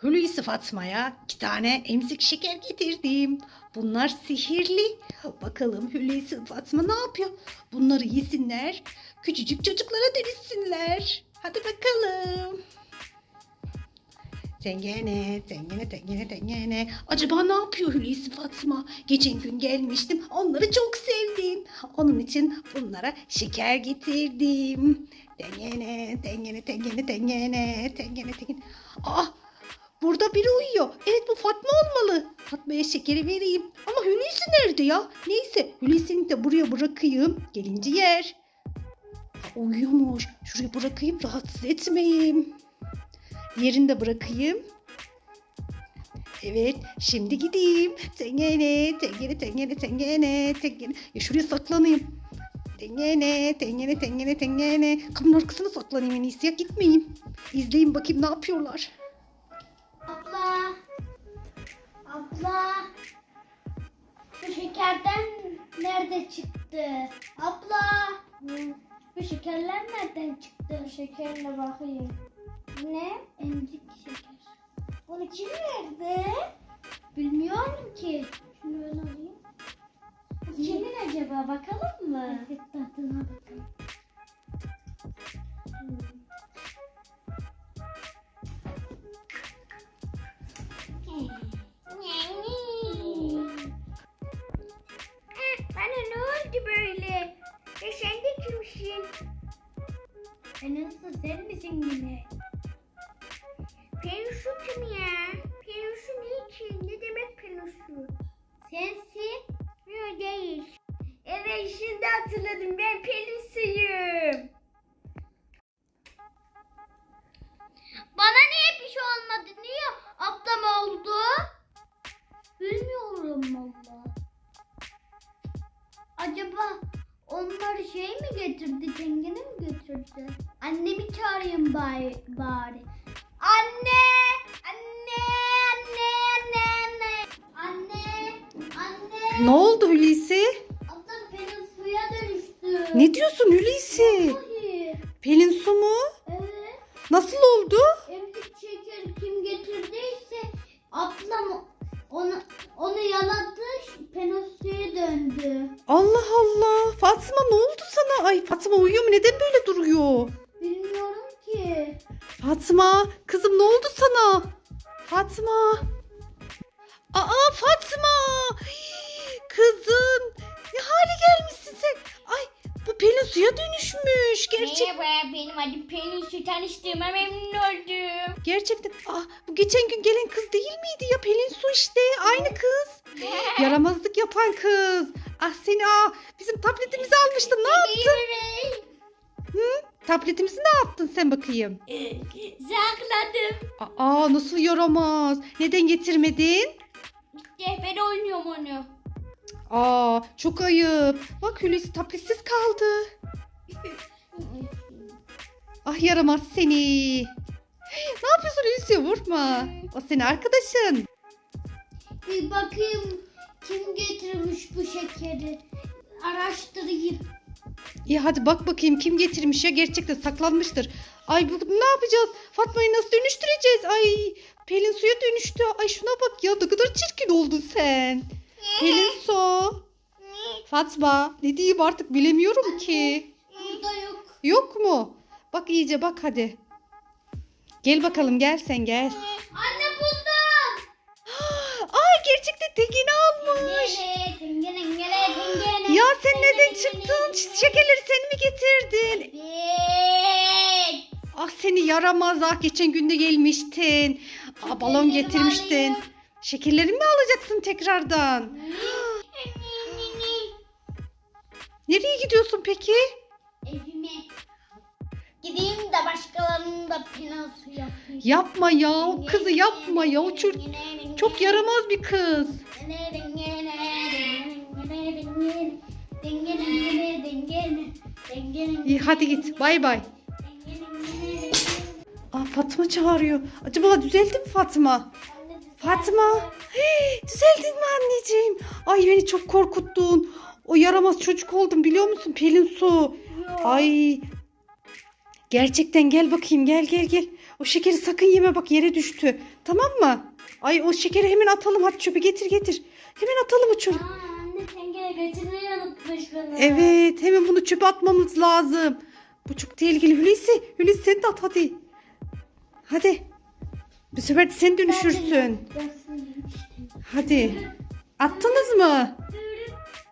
Hulusi Fatma'ya 2 tane emzik şeker getirdim. Bunlar sihirli. Bakalım Hulusi Fatma ne yapıyor? Bunları yesinler, küçücük çocuklara dönüşsünler. Hadi bakalım. Tengene, tengene, tengene, tengene. Acaba ne yapıyor Hulusi Fatma? Geçen gün gelmiştim. Onları çok sevdim. Onun için bunlara şeker getirdim. Tengene, tengene, tengene, tengene, tengene, tengene. Aa, burada biri uyuyor. Evet, bu Fatma olmalı. Fatma'ya şekeri vereyim. Ama Hulusi nerede ya? Neyse, Hulusi'ni de buraya bırakayım. Gelince yer. Uyuyormuş. Şuraya bırakayım, rahatsız etmeyeyim. Yerini de bırakayım. Evet, şimdi gideyim. Tengene, tengene, tengene, tengene, tengene. Ya şuraya saklanayım. Tengene, tengene, tengene, tengene. Kapının arkasına saklanayım en iyisi ya, gitmeyeyim. İzleyin bakayım ne yapıyorlar. Abla. Abla. Bu şekerden nerede çıktı? Abla. Bu şekerler nereden çıktı? Şekerle bakayım. Ne? Emzik şeker. Bunu kim verdi? Bilmiyorum ki. Şunu ben alayım. Bu kimin acaba? Bakalım mı? Evet, tadına bakalım. Bana ne oldu böyle? Ya sen de kimsin? Nasıl, sen misin yine? Peluşu kim ya? Peluşu niçin? Ne demek peluşu? Sensin? Yok değil. Evet, şimdi hatırladım, ben Pelusuyum. Bana niye bir şey olmadı? Niye ablam oldu? Bilmiyorum valla. Acaba onlar şey mi getirdi? Tengene mi götürdü? Annemi çağırayım bari. Anne! Anne! Anne! Anne! Anne! Anne! Ne oldu Hulusi? Ablam benim suya dönüştü. Ne diyorsun Hulusi? Vallahi. Pelin su mu? Evet. Nasıl oldu? Emzik şeker kim getirdiyse ablam onu yaladı, penosiye döndü. Allah Allah. Fatma ne oldu sana? Ay, Fatma uyuyor mu? Neden böyle duruyor? Bilmiyorum ki. Fatma, kızım ne oldu sana? Fatma. Aa, Fatma. Hii, kızım. Ne hale gelmişsin sen? Ay, bu Pelin suya dönüşmüş. Merhaba, benim adım Pelin Su, tanıştığıma memnun oldum. Gerçekten. Ah, bu geçen gün gelen kız değil miydi ya? Pelin su işte. Aynı kız. Yaramazlık yapan kız. Ah seni, bizim tabletimizi almıştın. Ne yaptın? Tabletimizi ne yaptın sen bakayım? Sakladım. Aa, nasıl yaramaz? Neden getirmedin? İşte ben oynuyorum onu. Aa, çok ayıp. Bak Hulusi tabletsiz kaldı. Ah, yaramaz seni. Ne yapıyorsun Hulusi? Vurma. O senin arkadaşın. Bir bakayım kim getirmiş bu şekeri. Araştırayım. İyi, hadi bak bakayım kim getirmiş ya, gerçekten saklanmıştır. Ay, ne yapacağız? Fatma'yı nasıl dönüştüreceğiz? Ay, Pelin suya dönüştü. Ay, şuna bak ya, ne kadar çirkin oldun sen. Pelin su. Fatma, ne diyeyim artık bilemiyorum ki. Burada yok. Yok mu? Bak iyice bak hadi. Gel bakalım, gel sen gel. Anne, buldum. Ay, gerçekten tekini almış. Tengene. Ya sen neden çıktın? Şekerleri sen mi getirdin? Evet. Ah, seni yaramaz, geçen gün de gelmiştin. Balon Şekerlerimi getirmiştin. alayım. Şekerleri mi alacaksın tekrardan? Nereye gidiyorsun peki? Evime. Gideyim de başkalarının da penası yapayım. Yapma ya, o kızı yapma ya. O çok yaramaz bir kız. İyi, hadi git, bay bay. Fatma çağırıyor. Acaba düzeldi mi Fatma? Fatma. Düzeldin mi anneciğim? Ay, beni çok korkuttun. O yaramaz çocuk oldum, biliyor musun Pelin su? Ay, gerçekten gel bakayım, gel. O şekeri sakın yeme, bak yere düştü. Tamam mı? Ay o şekeri hemen atalım, hadi çöpe getir. Hemen atalım o çöpe. Anne tencere getirmeyi unutmuşsunuz. Evet, hemen bunu çöpe atmamız lazım. Bu çok tehlikeli. Hulusi sen de at hadi. Hadi. Bu sefer de sen dönüşürsün. Hadi. Attınız mı?